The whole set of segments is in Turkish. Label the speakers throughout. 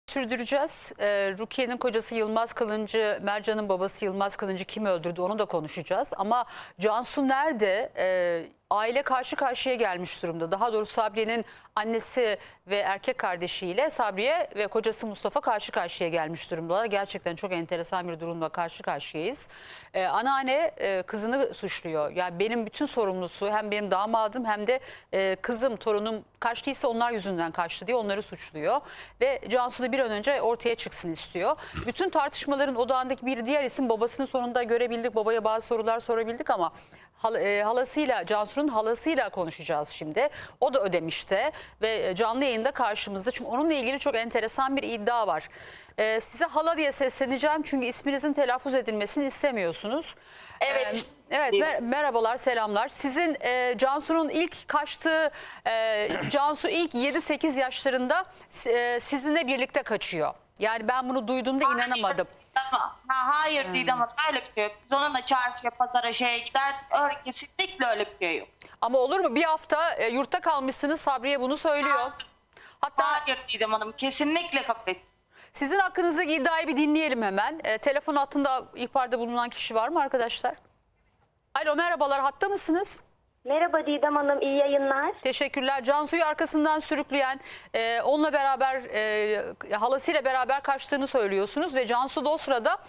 Speaker 1: Sürdüreceğiz. Rukiye'nin kocası Yılmaz Kılıncı, Mercan'ın babası Yılmaz Kılıncı kim öldürdü onu da konuşacağız. Ama Cansu nerede? Aile karşı karşıya gelmiş durumda. Daha doğrusu Sabriye'nin annesi ve erkek kardeşiyle Sabriye ve kocası Mustafa karşı karşıya gelmiş durumdalar. Gerçekten çok enteresan bir durumla karşı karşıyayız. Anneanne kızını suçluyor. Yani benim bütün sorumlusu hem benim damadım hem de kızım, torunum kaçtıysa onlar yüzünden kaçtı diye onları suçluyor. Ve Cansu da bir an önce ortaya çıksın istiyor. Bütün tartışmaların odağındaki bir diğer isim babasını sonunda görebildik. Babaya bazı sorular sorabildik ama halasıyla, Cansu'nun halasıyla konuşacağız şimdi. O da Ödemiş'te ve canlı yayında karşımızda. Çünkü onunla ilgili çok enteresan bir iddia var. Size hala diye sesleneceğim çünkü isminizin telaffuz edilmesini istemiyorsunuz.
Speaker 2: Evet.
Speaker 1: Evet, merhabalar, selamlar. Sizin Cansu'nun ilk kaçtığı, Cansu ilk 7-8 yaşlarında sizinle birlikte kaçıyor. Yani ben bunu duyduğumda inanamadım.
Speaker 2: Hayır Didem Hanım, öyle bir şey yok. Biz onunla çarşıya, pazara, şeye gider. Öyle, kesinlikle öyle bir şey yok.
Speaker 1: Ama olur mu? Bir hafta yurtta kalmışsınız, Sabriye bunu söylüyor. Hatta
Speaker 2: Hayır Didem Hanım, kesinlikle kabul et.
Speaker 1: sizin hakkınızdaki iddiayı bir dinleyelim hemen. Telefon hattında ihbarda bulunan kişi var mı arkadaşlar? Alo, merhabalar, hatta mısınız?
Speaker 3: Merhaba Didem Hanım, iyi yayınlar.
Speaker 1: Teşekkürler. Cansu'yu arkasından sürükleyen, onunla beraber, halasıyla beraber kaçtığını söylüyorsunuz ve Cansu da o sırada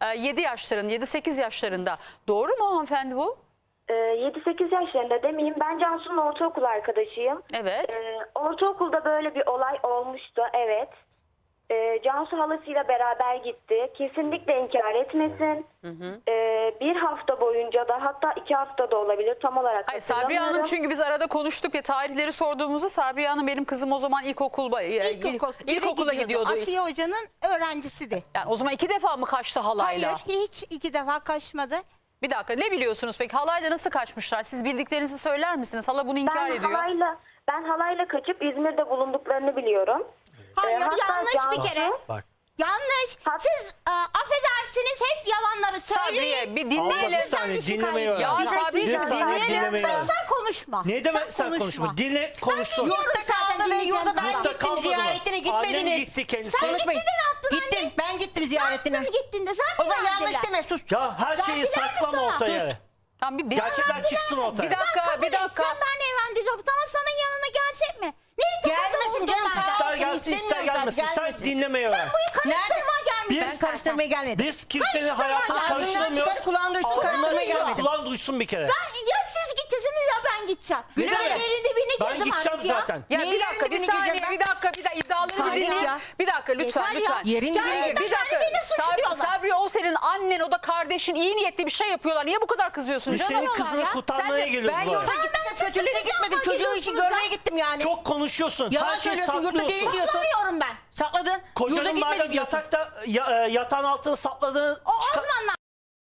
Speaker 1: 7-8 yaşlarında. Doğru mu hanımefendi bu?
Speaker 3: 7-8 yaşlarında demeyeyim. Ben Cansu'nun ortaokul arkadaşıyım.
Speaker 1: Evet.
Speaker 3: Ortaokulda böyle bir olay olmuştu, evet. Cansu halasıyla beraber gitti. Kesinlikle inkar etmesin. Bir hafta boyunca da, hatta 2 hafta da olabilir, tam olarak
Speaker 1: Hayır, Sabriye Hanım,
Speaker 3: hatırlamıyorum.
Speaker 1: çünkü biz arada konuştuk ya, tarihleri sorduğumuzda Sabriye Hanım benim kızım o zaman ilkokula gidiyordu.
Speaker 4: Asiye Hoca'nın öğrencisiydi.
Speaker 1: Yani o zaman 2 defa mı kaçtı halayla?
Speaker 4: Hayır, hiç 2 defa kaçmadı.
Speaker 1: Bir dakika, ne biliyorsunuz peki? Halayla nasıl kaçmışlar? Siz bildiklerinizi söyler misiniz? Hala bunu inkar ediyor.
Speaker 3: Ben halayla kaçıp İzmir'de bulunduklarını biliyorum.
Speaker 4: Hayır,
Speaker 3: Hatta
Speaker 4: yanlış
Speaker 3: Cansu-
Speaker 4: bir kere.
Speaker 5: Bak.
Speaker 4: Yanlış. Siz affedersiniz, hep yalanları söyleyin.
Speaker 1: Sabriye bir
Speaker 5: Abla
Speaker 1: dinleyelim.
Speaker 5: bir saniye dinlemeyi öğren.
Speaker 1: Ya
Speaker 5: Bir
Speaker 1: Sabriyeciğim,
Speaker 5: saniye
Speaker 1: dinleyelim.
Speaker 5: dinlemeyi öğren.
Speaker 4: Sen konuşma.
Speaker 5: Ne demek sen konuşma? Dinle konuşsun.
Speaker 4: Yurtta kaldı ve yurda ben
Speaker 5: Yurtta
Speaker 4: gittim
Speaker 5: kalmadı mı?
Speaker 4: ziyaretine gitmediniz.
Speaker 5: Annem gitti kendisi.
Speaker 4: Sen gittin
Speaker 5: Konuşmayın.
Speaker 4: de ne yaptın
Speaker 6: Gittim.
Speaker 4: anne?
Speaker 6: Ben gittim ziyaretine.
Speaker 4: Ne yaptın gittin de sen
Speaker 6: O
Speaker 4: mi
Speaker 6: zaman yanlış
Speaker 4: verdiler?
Speaker 6: deme, sus.
Speaker 5: Ya her şeyi
Speaker 4: Verdiler mi
Speaker 5: saklama
Speaker 4: sana?
Speaker 5: ortaya.
Speaker 1: Tamam, bir
Speaker 5: Gerçekler çıksın ortaya.
Speaker 1: Bir dakika, bir dakika.
Speaker 4: Sen ben evlendireceğim. Tamam, sana yanına gelecek mi? Neyi
Speaker 6: Gelmesin canım.
Speaker 5: İster gelsin ister gelmesin. Sen dinlemeyi öğren.
Speaker 4: karıştırmaya gelmişsin.
Speaker 6: Ben karıştırmaya gelmedim.
Speaker 5: Biz kimsenin hayatını
Speaker 6: Ağzından
Speaker 5: karıştıramıyoruz.
Speaker 6: çıkar, kulağın duysun,
Speaker 5: Ağzından
Speaker 6: karıştırmaya
Speaker 5: çıkar,
Speaker 6: gelmedim.
Speaker 5: kulağın duysun bir kere.
Speaker 4: Ya siz gideceksiniz ya ben gideceğim.
Speaker 5: Güle güle.
Speaker 4: Ben yerin dibine
Speaker 5: Ben
Speaker 4: girdim
Speaker 5: gideceğim
Speaker 4: artık ya.
Speaker 5: zaten.
Speaker 1: Ya
Speaker 6: Neyin
Speaker 1: bir dakika,
Speaker 6: yerin
Speaker 1: bir
Speaker 6: dibine
Speaker 1: saniye,
Speaker 6: gireceğim
Speaker 1: bir dakika, bir dakika, iddiaları bir
Speaker 6: Hayır
Speaker 1: dinleyin.
Speaker 6: ya.
Speaker 1: Bir dakika, lütfen,
Speaker 4: Yeter ya.
Speaker 1: lütfen.
Speaker 6: Yerin dibine
Speaker 4: Yani
Speaker 6: gireceğim.
Speaker 1: Bir dakika,
Speaker 4: beni suçluyorlar.
Speaker 1: Sabri, o senin annen, o da kardeşin, iyi niyetli bir şey yapıyorlar. Niye bu kadar kızıyorsun
Speaker 5: Biz
Speaker 1: canım?
Speaker 5: senin kızını
Speaker 4: ya.
Speaker 5: kurtarmaya geliyoruz
Speaker 6: Ben
Speaker 5: bu
Speaker 6: yurda
Speaker 5: arada.
Speaker 6: gittim.
Speaker 4: Ben
Speaker 6: Kötülüğe
Speaker 4: çekileceğim,
Speaker 6: gitmedim.
Speaker 4: ben
Speaker 6: Çocuğu için
Speaker 4: gidiyorsunuz
Speaker 6: görmeye
Speaker 4: ya.
Speaker 6: gittim yani.
Speaker 5: Çok konuşuyorsun.
Speaker 6: Yalan
Speaker 5: Her şeyi
Speaker 6: söylüyorsun, yurtta
Speaker 5: saklıyorsun.
Speaker 6: değil diyorsun.
Speaker 4: Saklamıyorum ben.
Speaker 6: Sakladın. Yurda
Speaker 5: Kocanın
Speaker 6: gitmedi
Speaker 5: madem
Speaker 6: diyorsun.
Speaker 5: yatakta yatağın altına sapladığını
Speaker 4: O zamanlar.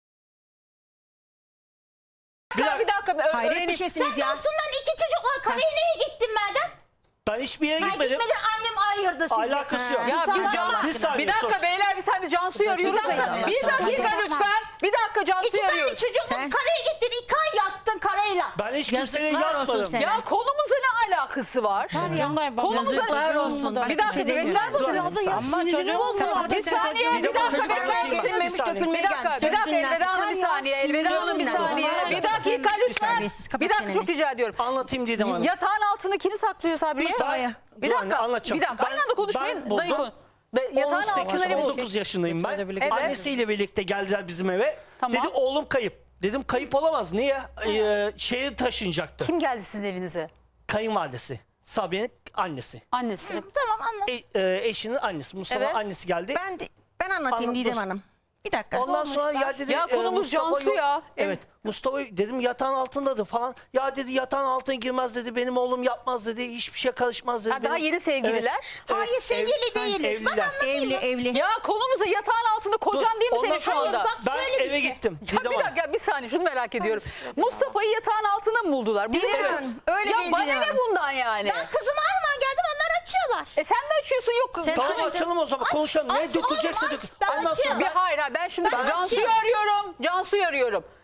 Speaker 1: Bir dakika,
Speaker 6: Hayret bir
Speaker 1: öğreneyim.
Speaker 6: şeysiniz
Speaker 4: Sen
Speaker 6: ya.
Speaker 4: Aslında 2 çocukla kaleye neye gittin madem?
Speaker 5: ben hiçbir yere
Speaker 4: Ben
Speaker 5: gitmedim.
Speaker 4: gitmedim, annem ayırdı sizi.
Speaker 5: Alakası yok.
Speaker 1: Ya
Speaker 4: Sana
Speaker 1: biz
Speaker 4: bak.
Speaker 5: Bir saniye,
Speaker 1: bir dakika
Speaker 5: sus.
Speaker 1: beyler, biz Cansu'yu arıyoruz.
Speaker 4: dakika,
Speaker 1: Bir
Speaker 4: bir
Speaker 1: dakika
Speaker 4: dakika.
Speaker 1: lütfen. Bir dakika,
Speaker 4: 2
Speaker 1: Cansu'yu
Speaker 4: tane
Speaker 1: arıyoruz.
Speaker 4: çocukla
Speaker 6: Sen-
Speaker 4: kaleye gittin, 2 ay yattın karayla.
Speaker 5: Ben hiç kimseye
Speaker 6: Yazıklar olsun
Speaker 5: yatmadım.
Speaker 6: sana.
Speaker 1: Ya konumuzla ne alakası var? Konumuzla
Speaker 6: Yazıklar olsun.
Speaker 1: Bir dakika,
Speaker 6: şey
Speaker 1: bekler misiniz?
Speaker 6: Ama çocuğu olsun.
Speaker 1: Bir saniye, bir dakika,
Speaker 5: Çocuğu
Speaker 1: bekler
Speaker 5: olsun.
Speaker 1: misiniz?
Speaker 6: Gelinmemiş,
Speaker 5: Bir saniye.
Speaker 6: dökülmeye
Speaker 1: Bir dakika,
Speaker 6: gelmiş.
Speaker 1: bir dakika,
Speaker 6: Sözünden.
Speaker 1: Elveda Hanım bir saniye, Elveda Hanım bir saniye. Bir dakika lütfen.
Speaker 6: Terbiyesiz, kapat
Speaker 1: Bir dakika,
Speaker 6: çeneni.
Speaker 1: çok rica ediyorum.
Speaker 5: Anlatayım Didem Hanım.
Speaker 1: Yatağın altında kimi saklıyor Sabriye?
Speaker 6: Mustafa'yı.
Speaker 1: Bir
Speaker 5: Dur anne,
Speaker 1: dakika,
Speaker 5: anlatacağım.
Speaker 1: bir dakika. Aynı anda konuşmayın. Dayı konu. Yatağın altında ne bu?
Speaker 5: 19 yaşındayım ben.
Speaker 1: Evet.
Speaker 5: Annesiyle birlikte geldiler bizim eve.
Speaker 1: Tamam.
Speaker 5: Dedi oğlum kayıp. Dedim kayıp olamaz. Niye? Şehir taşınacaktı.
Speaker 1: Kim geldi sizin evinize?
Speaker 5: Kayınvalidesi. Sabiye'nin annesi.
Speaker 1: Annesi.
Speaker 4: Tamam, anladım.
Speaker 5: Eşinin annesi. Mustafa
Speaker 1: Evet.
Speaker 5: annesi geldi.
Speaker 6: Ben anlatayım
Speaker 5: Anlat,
Speaker 6: Didem
Speaker 5: dur.
Speaker 6: Hanım. Bir dakika.
Speaker 5: Ondan sonra ya dedi
Speaker 1: Ya konumuz
Speaker 5: Mustafa
Speaker 1: Cansu
Speaker 5: yok.
Speaker 1: ya.
Speaker 5: Evet. Mustafa dedim yatağın altındadır falan. Ya dedi yatağın altına girmez dedi. Benim oğlum yapmaz dedi. Hiçbir şey karışmaz dedi.
Speaker 1: Ha, daha
Speaker 5: Benim-
Speaker 1: yeni sevgililer.
Speaker 5: Evet.
Speaker 4: Hayır, sevgili değiliz. Bak
Speaker 5: Evliler.
Speaker 4: anlatayım.
Speaker 6: Evli.
Speaker 1: Ya konumuzda yatağın altında kocan değil mi
Speaker 5: Ondan
Speaker 1: senin şu
Speaker 5: sonra
Speaker 1: anda?
Speaker 4: bak,
Speaker 5: Ben
Speaker 4: şöyle bir
Speaker 5: eve
Speaker 4: şey.
Speaker 5: gittim.
Speaker 1: Ya
Speaker 5: Didem
Speaker 1: bir
Speaker 5: Hanım.
Speaker 1: dakika, bir saniye, şunu merak ediyorum. Mustafa'yı yatağın altında mı buldular? Bizim
Speaker 6: Didem
Speaker 1: eve-
Speaker 6: Hanım, öyle
Speaker 1: ya
Speaker 6: değil
Speaker 1: bana
Speaker 6: Didem
Speaker 1: ne
Speaker 6: Hanım.
Speaker 1: bundan yani?
Speaker 4: Ben kızıma alman geldim, onlar açıyorlar.
Speaker 1: Sen de açıyorsun, yok.
Speaker 5: Tamam
Speaker 1: Cansu-
Speaker 5: açalım o zaman konuşalım. Ne
Speaker 4: aç,
Speaker 5: dökülecekse
Speaker 4: oğlum,
Speaker 5: dök.
Speaker 4: aç. Ben
Speaker 5: Ondan sonra
Speaker 4: açıyorum.
Speaker 1: Bir hayır, ben şimdi
Speaker 4: Ben
Speaker 1: Cansu'yu
Speaker 4: açıyorum.
Speaker 1: arıyorum. Cansu'yu arıyorum.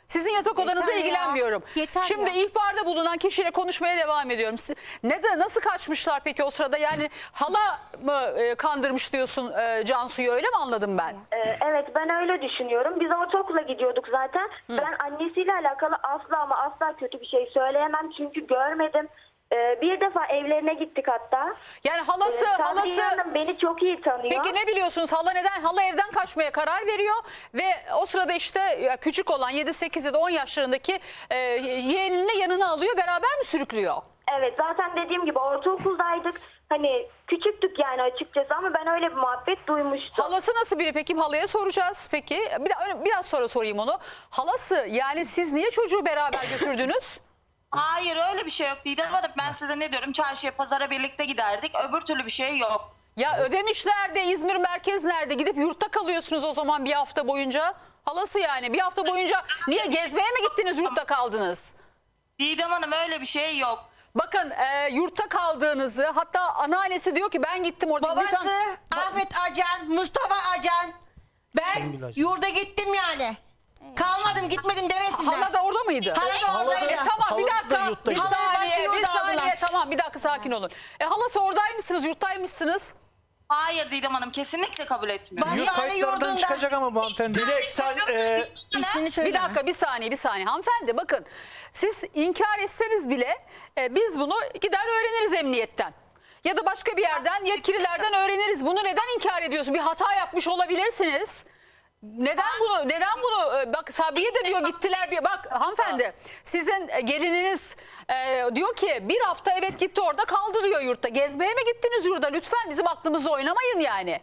Speaker 1: Sizin yatak odanıza
Speaker 4: ya.
Speaker 1: ilgilenmiyorum.
Speaker 4: Yeter
Speaker 1: Şimdi
Speaker 4: ya.
Speaker 1: ihbarda bulunan kişiyle konuşmaya devam ediyorum. Nasıl kaçmışlar peki o sırada? Yani hala mı kandırmış diyorsun Cansu'yu, öyle mi anladım ben?
Speaker 3: Evet, ben öyle düşünüyorum. Biz ortaokula gidiyorduk zaten. Ben annesiyle alakalı asla ama asla kötü bir şey söyleyemem. Çünkü görmedim. Bir defa evlerine gittik hatta.
Speaker 1: Yani halası
Speaker 3: Sabriye Hanım beni çok iyi tanıyor.
Speaker 1: Peki ne biliyorsunuz? Hala evden kaçmaya karar veriyor ve o sırada işte küçük olan 7-8 ya da 10 yaşlarındaki yeğenini yanına alıyor, beraber mi sürüklüyor?
Speaker 3: Evet, zaten dediğim gibi ortaokuldaydık. Hani küçüktük yani açıkçası ama ben öyle bir muhabbet duymuştum.
Speaker 1: Halası nasıl biri peki? Halaya soracağız peki. Biraz sonra sorayım onu. Halası, yani siz niye çocuğu beraber götürdünüz?
Speaker 2: Hayır öyle bir şey yok Didem Hanım. Ben size ne diyorum? Çarşıya pazara birlikte giderdik. Öbür türlü bir şey yok.
Speaker 1: Ya Ödemiş nerede? İzmir merkez nerede? Gidip yurtta kalıyorsunuz o zaman bir hafta boyunca. Halası yani bir hafta boyunca niye gezmeye mi gittiniz, yurtta kaldınız?
Speaker 2: Didem Hanım öyle bir şey yok.
Speaker 1: Bakın yurtta kaldığınızı, hatta anneannesi diyor ki ben gittim orada.
Speaker 6: Babası
Speaker 1: Lütfen-
Speaker 6: Ahmet Acan, Mustafa Acan. Ben yurda gittim yani. Kalmadım, gitmedim demesinler.
Speaker 1: Hala da orada mıydı?
Speaker 6: Hala da oradaydı.
Speaker 1: Tamam bir
Speaker 5: Halası da
Speaker 1: dakika.
Speaker 5: yurttaydı.
Speaker 1: Bir
Speaker 6: Halaya başka
Speaker 1: saniye, bir
Speaker 6: yurda
Speaker 1: saniye.
Speaker 6: aldılar.
Speaker 1: Tamam bir dakika, sakin olun. Halası oradaymışsınız, yurttaymışsınız.
Speaker 2: Hayır Didem Hanım kesinlikle kabul etmiyorum.
Speaker 6: Bas-
Speaker 7: Yurt
Speaker 6: Yani
Speaker 7: kayıtlardan
Speaker 6: yurdunda.
Speaker 7: çıkacak ama bu hanımefendi.
Speaker 5: Dilek sen
Speaker 6: İsmini söyle.
Speaker 1: Bir dakika, bir saniye hanımefendi, bakın siz inkar etseniz bile biz bunu gider öğreniriz emniyetten. Ya da başka bir yerden, yetkililerden öğreniriz. Bunu neden inkar ediyorsun? Bir hata yapmış olabilirsiniz. Neden bunu bak Sabiye de diyor gittiler, bir bak hanımefendi, sizin gelininiz diyor ki bir hafta evet gitti, orada kaldı diyor yurtta. Gezmeye mi gittiniz yurda? Lütfen bizim aklımızı oynamayın yani.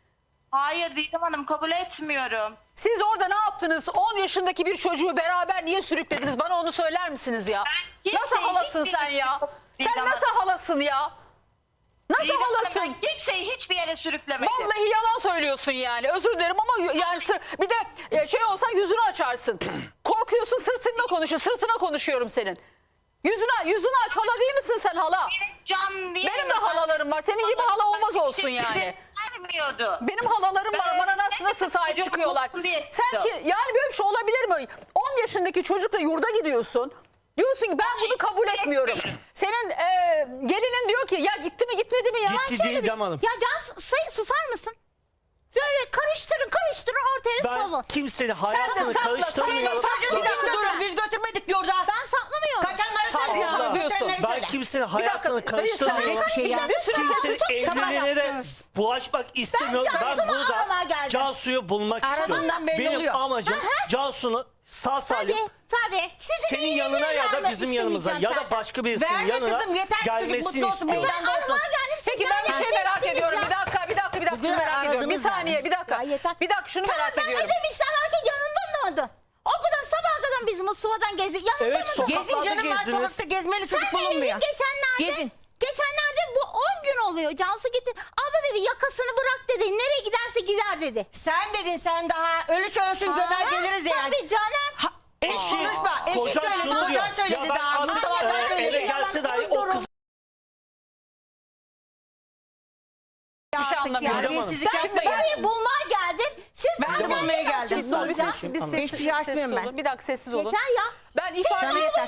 Speaker 2: Hayır Didem Hanım kabul etmiyorum.
Speaker 1: Siz orada ne yaptınız? 10 yaşındaki bir çocuğu beraber niye sürüklediniz? Bana onu söyler misiniz ya?
Speaker 2: Ben
Speaker 1: Nasıl
Speaker 2: kimseyi
Speaker 1: halasın
Speaker 2: hiçbir
Speaker 1: sen
Speaker 2: yere
Speaker 1: ya?
Speaker 2: sürüklemedim.
Speaker 1: Sen nasıl halasın ya? Nasıl
Speaker 2: Didem Hanım
Speaker 1: halasın?
Speaker 2: ben kimseyi hiçbir yere sürüklemedim.
Speaker 1: Vallahi yalan söylüyorsun yani. Özür dilerim ama yani bir de şey olsan yüzünü açarsın. Korkuyorsun, sırtına konuşuyorum senin. Yüzünü aç, hala değil misin sen hala?
Speaker 2: Can diye
Speaker 1: Benim de halalarım var. Senin gibi hala olmaz olsun yani.
Speaker 2: Vermiyordu.
Speaker 1: Benim halalarım var,
Speaker 2: Ben
Speaker 1: bana nasıl sahip
Speaker 2: çocuk
Speaker 1: çıkıyorlar.
Speaker 2: olsun diye
Speaker 1: Sen ki yani böyle bir şey olabilir mi? 10 yaşındaki çocukla yurda gidiyorsun. Diyorsun ki ben bunu kabul etmiyorum. Senin gelinin diyor ki ya gitti mi gitmedi mi ya?
Speaker 5: gitti Didem Hanım.
Speaker 4: Ya Can susar mısın? Böyle karıştırın ortaya
Speaker 5: Ben
Speaker 4: savun.
Speaker 5: kimsenin hayatını
Speaker 1: sakla,
Speaker 5: karıştırmıyorum.
Speaker 6: Çocuğu kim götürdü? Biz götürmedik yurda.
Speaker 4: Ben saklamıyorum.
Speaker 6: Kaçanları
Speaker 1: Sakla
Speaker 6: söyle.
Speaker 1: diyorsun.
Speaker 6: Götürenleri
Speaker 5: Ben
Speaker 6: söyle.
Speaker 5: kimsenin
Speaker 1: Bir dakika,
Speaker 5: hayatını
Speaker 1: dayı, sen
Speaker 5: karıştırmıyorum.
Speaker 1: bir şey ya.
Speaker 5: Kimsenin
Speaker 4: çok
Speaker 5: evliliğine de
Speaker 4: yaptınız.
Speaker 5: bulaşmak istemiyorum. Ben
Speaker 4: Cansu'nu
Speaker 5: burada
Speaker 4: aramaya geldim.
Speaker 5: Cansu'yu bulmak
Speaker 6: Aradığından
Speaker 5: istiyorum.
Speaker 6: belli
Speaker 5: Benim
Speaker 6: oluyor.
Speaker 5: amacım Cansu'nu sağ salim
Speaker 4: Tabii. Sizin
Speaker 5: senin
Speaker 4: iyiliğini
Speaker 5: yanına ya da
Speaker 4: vermek
Speaker 5: bizim yanımıza ya
Speaker 4: istemeyeceğim
Speaker 5: da
Speaker 4: zaten.
Speaker 5: başka birisinin
Speaker 6: Verme
Speaker 5: yanına
Speaker 6: kızım, yeter ki çocuk
Speaker 5: gelmesini
Speaker 6: mutlu olsun,
Speaker 5: istiyorum.
Speaker 6: meydanda olsun.
Speaker 4: Aramaya geldim. siz
Speaker 1: Peki ben bir şey
Speaker 4: nereden
Speaker 1: merak
Speaker 4: değiştiniz
Speaker 1: ediyorum.
Speaker 4: ya?
Speaker 1: Bir dakika
Speaker 6: Bugün
Speaker 1: şunu merak ediyorum. Bir
Speaker 6: aradınız
Speaker 1: saniye,
Speaker 6: yani.
Speaker 1: bir dakika.
Speaker 4: Ya yeter.
Speaker 1: Bir dakika şunu merak
Speaker 4: Tamam,
Speaker 1: ediyorum.
Speaker 4: ben ödemişler herkes yanında mıydı? O kadar sabaha kadar biz Mustafa'dan gezi. Yanında
Speaker 5: Evet,
Speaker 4: mıydı?
Speaker 5: sokaklarda
Speaker 6: Gezin canım, var
Speaker 5: gezdiniz.
Speaker 6: sokakta gezmeli çocuk
Speaker 4: Sen
Speaker 6: bulunmuyor.
Speaker 4: geçenlerde
Speaker 6: Gezin.
Speaker 4: bu 10 gün oluyor. Cansu gitti. Abla dedi yakasını bırak dedi. Nereye giderse gider dedi.
Speaker 6: Sen dedin, sen daha ölü ölsün gömer geliriz de yani.
Speaker 4: Tabii canım.
Speaker 5: Eşi,
Speaker 6: Konuşma, eşi
Speaker 5: kocam
Speaker 6: söyledi,
Speaker 5: şunu diyor.
Speaker 6: kocan söyledi
Speaker 5: Ya ben
Speaker 6: daha,
Speaker 5: artık
Speaker 6: Mustafa Can söyledi.
Speaker 5: eve gelse dahi o kız
Speaker 1: Hiçbir şey
Speaker 6: Artık
Speaker 1: anlamıyorum.
Speaker 6: terbiyesizlik
Speaker 4: Ben
Speaker 6: yapmayın.
Speaker 4: burayı bulmaya geldim. Siz
Speaker 6: Ben de bulmaya geldim.
Speaker 1: Biz sessiz
Speaker 6: Hiçbir şey açmıyorum ben.
Speaker 1: olun. Bir dakika sessiz olun.
Speaker 4: Yeter ya.
Speaker 1: Ben ifade
Speaker 6: Sana yeter.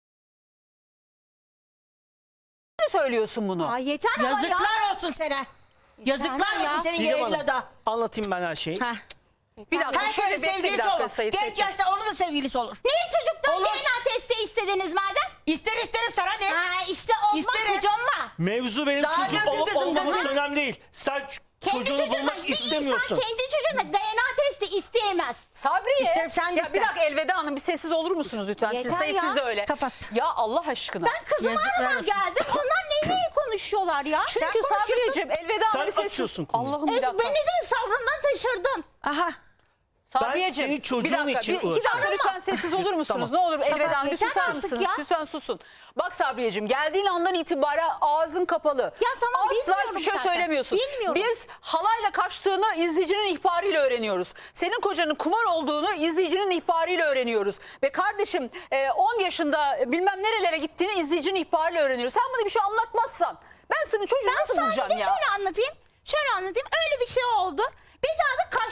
Speaker 1: söylüyorsun bunu.
Speaker 4: Aa, yeter ama ya.
Speaker 6: Yazıklar olsun sana. Yazıklar
Speaker 4: ya.
Speaker 6: olsun senin
Speaker 5: Didem
Speaker 6: evlada.
Speaker 5: Hanım, anlatayım ben her şeyi.
Speaker 6: Heh.
Speaker 1: Bir dakika.
Speaker 6: Herkesin
Speaker 1: şöyle bekle bir
Speaker 6: sevgilisi
Speaker 1: dakika
Speaker 6: olur.
Speaker 1: Sayit
Speaker 6: Genç
Speaker 1: Bekle.
Speaker 6: yaşta onun da sevgilisi olur.
Speaker 4: Niye çocuktan
Speaker 6: Olur.
Speaker 4: DNA testi istediniz madem?
Speaker 6: İsterim sana ne?
Speaker 4: Ha işte olmaz
Speaker 6: İsterim.
Speaker 4: hocamla.
Speaker 5: Mevzu benim
Speaker 6: Daha
Speaker 5: çocuk
Speaker 6: önce
Speaker 5: olup
Speaker 6: kızım
Speaker 5: olmaması
Speaker 6: dedi.
Speaker 5: önemli değil. Sen çocuğunu bulmak istemiyorsun.
Speaker 4: İnsan kendi çocuğuna DNA testi isteyemez.
Speaker 1: Sabriye.
Speaker 6: İsterim, sen de
Speaker 1: Ya bir
Speaker 6: iste.
Speaker 1: dakika Elveda Hanım, bir sessiz olur musunuz lütfen?
Speaker 4: Yeter
Speaker 1: Sayit
Speaker 4: ya.
Speaker 1: siz de öyle.
Speaker 6: Kapat.
Speaker 1: Ya Allah aşkına.
Speaker 4: Ben kızımı
Speaker 6: Yazıklar
Speaker 4: aramaya
Speaker 6: olsun.
Speaker 4: geldim. Onlar neyi konuşuyorlar ya?
Speaker 1: Çünkü Sabriyeciğim Elveda Hanım
Speaker 5: Sen
Speaker 1: bir sessiz.
Speaker 5: açıyorsun konuyu.
Speaker 1: Allah'ım bir
Speaker 4: Evet,
Speaker 1: dakika.
Speaker 4: beni de sabrından taşırdım.
Speaker 6: Aha.
Speaker 1: Sabriyeciğim,
Speaker 5: senin çocuğun
Speaker 1: bir dakika,
Speaker 5: için
Speaker 1: iki
Speaker 5: uğraşıyorum.
Speaker 1: dakika lütfen sessiz olur musunuz?
Speaker 5: Tamam.
Speaker 1: Ne olur Elveda Hanım bir
Speaker 4: yeter
Speaker 1: susar
Speaker 4: artık
Speaker 1: mısınız?
Speaker 4: ya.
Speaker 1: Lütfen susun. Bak Sabriyeciğim, geldiğin andan itibaren ağzın kapalı.
Speaker 4: Ya tamam,
Speaker 1: Asla
Speaker 4: bilmiyorum
Speaker 1: hiçbir şey
Speaker 4: zaten.
Speaker 1: söylemiyorsun.
Speaker 4: Bilmiyorum.
Speaker 1: Biz halayla kaçtığını izleyicinin ihbarıyla öğreniyoruz. Senin kocanın kumar olduğunu izleyicinin ihbarıyla öğreniyoruz. Ve kardeşim 10 yaşında bilmem nerelere gittiğini izleyicinin ihbarıyla öğreniyoruz. Sen bana bir şey anlatmazsan ben senin çocuğu
Speaker 4: Ben
Speaker 1: nasıl bulacağım
Speaker 4: sadece
Speaker 1: ya?
Speaker 4: şöyle anlatayım. Öyle bir şey oldu. Bir daha da kaçtı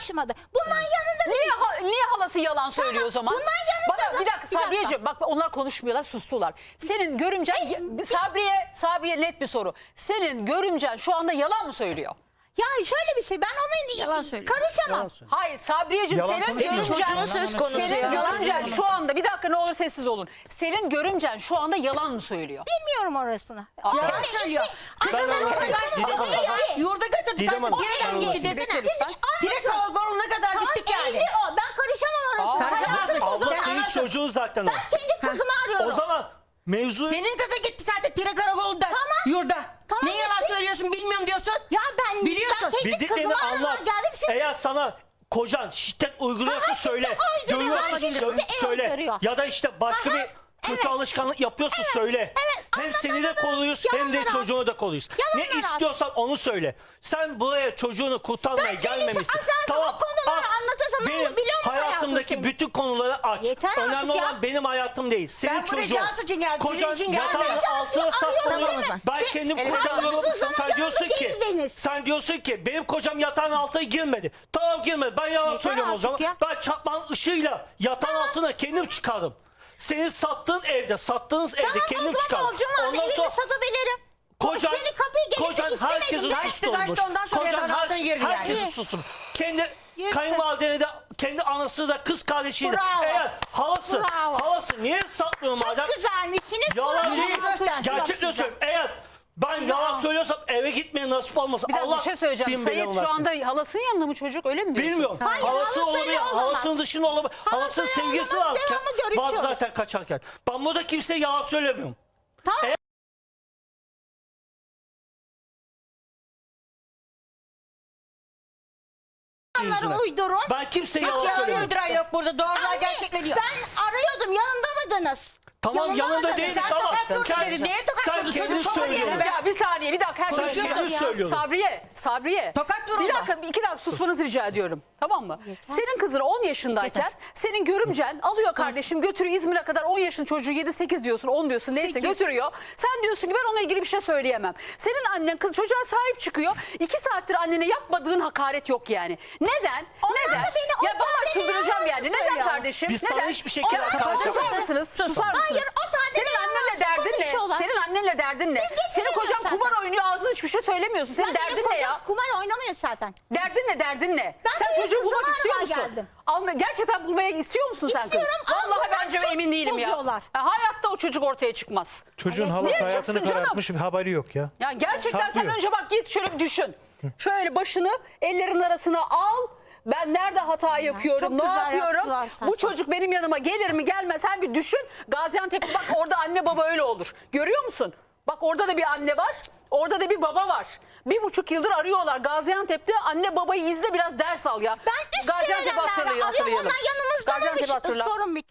Speaker 4: karışmadı. Bundan yanında
Speaker 1: Niye halası yalan söylüyor o zaman?
Speaker 4: bundan yanında
Speaker 1: Bana bir dakika Sabriyeciğim, bak onlar konuşmuyorlar, sustular. Senin görümcen Sabriye net bir soru. Senin görümcen şu anda yalan mı söylüyor?
Speaker 4: Ya şöyle bir şey, ben onun karışamam.
Speaker 1: Hayır Sabriyeciğim,
Speaker 5: Yalan
Speaker 1: senin
Speaker 5: konuşuyor.
Speaker 1: görümcen
Speaker 6: Çocuğun söz konusu
Speaker 1: senin
Speaker 6: ya.
Speaker 1: görümcen şu anda, bir dakika ne olur sessiz olun. Senin görümcen şu anda yalan mı söylüyor?
Speaker 4: Bilmiyorum orasını.
Speaker 6: Yalan söylüyor.
Speaker 5: Ben anlatayım. Didem Hanım.
Speaker 6: Yurda götürdük.
Speaker 5: Didem Hanım,
Speaker 6: Direkt
Speaker 5: ben
Speaker 6: gitti
Speaker 5: anlatayım.
Speaker 6: desene.
Speaker 1: Lütfen.
Speaker 6: Direkt karakoluna kadar gittik yani.
Speaker 4: O. Ben karışamam orasına.
Speaker 6: Karışamazsın.
Speaker 5: Abla
Speaker 6: Sen
Speaker 5: senin
Speaker 6: anlarsın.
Speaker 5: çocuğun zaten o.
Speaker 4: Ben kendi kızımı arıyorum.
Speaker 5: O zaman mevzu...
Speaker 6: Senin kızı gitti zaten tire karakolunda. Yurda.
Speaker 4: Tamam,
Speaker 6: Ne yalan
Speaker 4: gitsin.
Speaker 6: söylüyorsun bilmiyorum diyorsun.
Speaker 4: Ya ben
Speaker 6: Biliyorsun.
Speaker 4: kendi
Speaker 5: Bildiklerini
Speaker 4: kızımı aramaya
Speaker 5: anlat.
Speaker 4: geldim. Siz
Speaker 5: Eğer sana kocan şiddet uyguluyorsa
Speaker 4: Aha,
Speaker 5: söyle.
Speaker 4: şiddet uyduruyor.
Speaker 5: Görüyorsa
Speaker 4: Şiddet
Speaker 5: söyle.
Speaker 4: uyduruyor.
Speaker 5: Ya da işte başka
Speaker 4: Aha,
Speaker 5: bir kötü alışkanlık yapıyorsa söyle.
Speaker 4: evet,
Speaker 5: Hem seni de koruyuz hem de
Speaker 4: yalanlar at.
Speaker 5: çocuğunu da koruyuz. Ne
Speaker 4: Yalanlar at.
Speaker 5: istiyorsan onu söyle. Sen buraya çocuğunu kurtarmaya
Speaker 4: Ben senin
Speaker 5: gelmemişsin.
Speaker 4: o konuları anlatırsam ne olur
Speaker 5: Benim
Speaker 4: biliyor musun
Speaker 5: hayatımdaki
Speaker 4: hayatım
Speaker 5: bütün konuları aç.
Speaker 4: Yeter artık
Speaker 5: Önemli
Speaker 4: ya.
Speaker 5: olan benim hayatım değil. Senin
Speaker 6: Ben buraya
Speaker 5: çocuğun.
Speaker 6: Cansu için geldim, sizin
Speaker 5: Kocan
Speaker 6: için gelmedim.
Speaker 5: yatağın
Speaker 4: Cansu'yu
Speaker 5: altına saklanıyor.
Speaker 4: arıyorum.
Speaker 5: Ben kendim
Speaker 1: Elif,
Speaker 5: kurtarıyorum.
Speaker 4: uzun zaman
Speaker 5: Sen
Speaker 4: yanında
Speaker 5: diyorsun ki
Speaker 4: değildiniz.
Speaker 5: sen diyorsun ki benim kocam yatağın altına girmedi. Tamam girmedi. Ben yalan söylüyorum o
Speaker 4: artık
Speaker 5: zaman.
Speaker 4: ya.
Speaker 5: Ben çakmağın ışığıyla yatağın altına kendim çıkarım. Senin sattığın evde, sattığınız evde
Speaker 4: Tamam,
Speaker 5: kendim
Speaker 4: o zaman
Speaker 5: çıkarım.
Speaker 4: borcum vardı, evimi satabilirim.
Speaker 5: Kocan,
Speaker 4: Seni kapıya gelip
Speaker 5: kocan
Speaker 4: istemedim.
Speaker 5: herkesi
Speaker 6: Kaçtı,
Speaker 5: susturmuş.
Speaker 6: kaçtı, ondan sonra yatağın altına girdi yani.
Speaker 5: herkesi susturmuş. Kendi
Speaker 4: Yürü.
Speaker 5: kayınvalideni de, kendi anası da, kız kardeşini de.
Speaker 4: Bravo.
Speaker 5: Eğer halası,
Speaker 4: Bravo.
Speaker 5: niye satmıyor madem?
Speaker 4: Güzelmişsiniz.
Speaker 5: Yalan değil.
Speaker 6: göstersin
Speaker 5: Gerçekten söylüyorum. Eğer ben yalan söylüyorsam eve gitmeye nasip olmasa
Speaker 1: Bir dakika
Speaker 5: Allah
Speaker 1: bir şey söyleyeceğim.
Speaker 5: bin
Speaker 1: Sayit
Speaker 5: belanı
Speaker 1: şu
Speaker 5: versin.
Speaker 1: anda halasının yanında mı çocuk, öyle mi diyorsun?
Speaker 5: Bilmiyorum.
Speaker 4: Hayır,
Speaker 5: Halası
Speaker 4: halasıyla
Speaker 5: olabilir.
Speaker 4: olamaz.
Speaker 5: Halasının dışında olabilir. Halasının
Speaker 4: Halasıyla
Speaker 5: sevgilisi
Speaker 4: olamaz,
Speaker 5: varken.
Speaker 4: devamlı görüşüyoruz.
Speaker 5: Vardı zaten kaçarken. Ben burada kimseye yalan söylemiyorum.
Speaker 4: Tamam.
Speaker 5: Yüzüne.
Speaker 4: Onları uydurun.
Speaker 5: Ben kimseye yalan
Speaker 6: Hiç yalan
Speaker 5: söylemiyorum.
Speaker 6: uyduran yok burada. Doğrular
Speaker 4: Anne,
Speaker 6: gerçekleniyor.
Speaker 4: Ben arıyordum, yanında mıydınız?
Speaker 5: Tamam yanında
Speaker 4: mıydınız?
Speaker 5: değil.
Speaker 6: Sen
Speaker 5: Tamam.
Speaker 6: tokat vurdun
Speaker 5: Sen-
Speaker 6: dedin. Niye tokat
Speaker 5: Sen
Speaker 6: vurdun?
Speaker 5: kendin
Speaker 6: Çocuk çok
Speaker 5: söylüyorsun.
Speaker 6: acele be.
Speaker 1: Ya bir saniye, bir dakika.
Speaker 5: Sen
Speaker 1: Herkes
Speaker 5: kendin söylüyorsun.
Speaker 1: Sabriye.
Speaker 6: Tokat vur
Speaker 1: Bir
Speaker 6: orada.
Speaker 1: dakika, 2 dakika susmanızı rica ediyorum. Tamam mı? Senin kızın 10 yaşındayken senin görümcen alıyor kardeşim, götürüyor İzmir'e kadar. 10 yaşında çocuğu 7-8 diyorsun, 10 diyorsun, neyse
Speaker 4: 8.
Speaker 1: götürüyor. Sen diyorsun ki ben onunla ilgili bir şey söyleyemem. Senin annen kız çocuğa sahip çıkıyor. 2 saattir annene yapmadığın hakaret yok yani. Neden?
Speaker 4: Onlar
Speaker 1: Neden?
Speaker 4: da beni o
Speaker 1: Ya vallahi
Speaker 4: tane
Speaker 1: çıldıracağım
Speaker 4: yalan
Speaker 1: yani. Neden
Speaker 4: söylüyor.
Speaker 1: kardeşim?
Speaker 5: Biz
Speaker 1: Neden?
Speaker 5: sana hiçbir şekilde
Speaker 1: Onlar-
Speaker 5: hakaret
Speaker 1: Susar
Speaker 5: etmedik.
Speaker 1: mısınız? Susar mısınız?
Speaker 4: Hayır, o tane
Speaker 1: Senin
Speaker 4: yalan
Speaker 1: annenle derdin ne?
Speaker 4: konuşuyorlar.
Speaker 1: Senin annenle derdin ne?
Speaker 4: Biz
Speaker 1: Senin kocan
Speaker 4: getiremiyoruz
Speaker 1: kumar
Speaker 4: zaten.
Speaker 1: oynuyor, ağzına hiçbir şey söylemiyorsun. Senin
Speaker 4: Ya benim
Speaker 1: derdin ne
Speaker 4: kocam
Speaker 1: ya?
Speaker 4: kumar oynamıyor zaten.
Speaker 1: Derdin ne?
Speaker 4: Ben
Speaker 1: Sen
Speaker 4: buraya
Speaker 1: çocuğu bulmak
Speaker 4: kızımı
Speaker 1: istiyor
Speaker 4: aramaya
Speaker 1: musun?
Speaker 4: geldim.
Speaker 1: Gerçekten bulmaya istiyor musun sen kızı?
Speaker 4: İstiyorum ama
Speaker 1: Vallahi
Speaker 4: bunlar
Speaker 1: bence
Speaker 4: çok
Speaker 1: emin değilim ya.
Speaker 4: bozuyorlar.
Speaker 1: Hayatta o çocuk ortaya çıkmaz.
Speaker 7: Çocuğun
Speaker 1: Niye
Speaker 7: halası hayatını
Speaker 1: çıksın canım?
Speaker 7: karartmış, haberi yok ya.
Speaker 1: Ya gerçekten sen
Speaker 7: Saklıyor.
Speaker 1: önce bak git şöyle bir düşün. Şöyle başını ellerin arasına al. Ben nerede hata yapıyorum,
Speaker 4: çok
Speaker 1: ne
Speaker 4: güzel
Speaker 1: yapıyorum?
Speaker 4: yaptılar zaten.
Speaker 1: Bu çocuk benim yanıma gelir mi gelmez, sen bir düşün. Gaziantep'te bak orada anne baba öyle olur. Görüyor musun? Bak orada da bir anne var, orada da bir baba var. 1,5 yıldır arıyorlar Gaziantep'te. Anne babayı izle, biraz ders al ya.
Speaker 4: Ben üst
Speaker 1: Gaziantep'i
Speaker 4: söylemlerle arıyorum, onlar yanımızda
Speaker 1: Gaziantep'i
Speaker 4: mıymış?
Speaker 1: hatırla.
Speaker 4: Sorun bitti.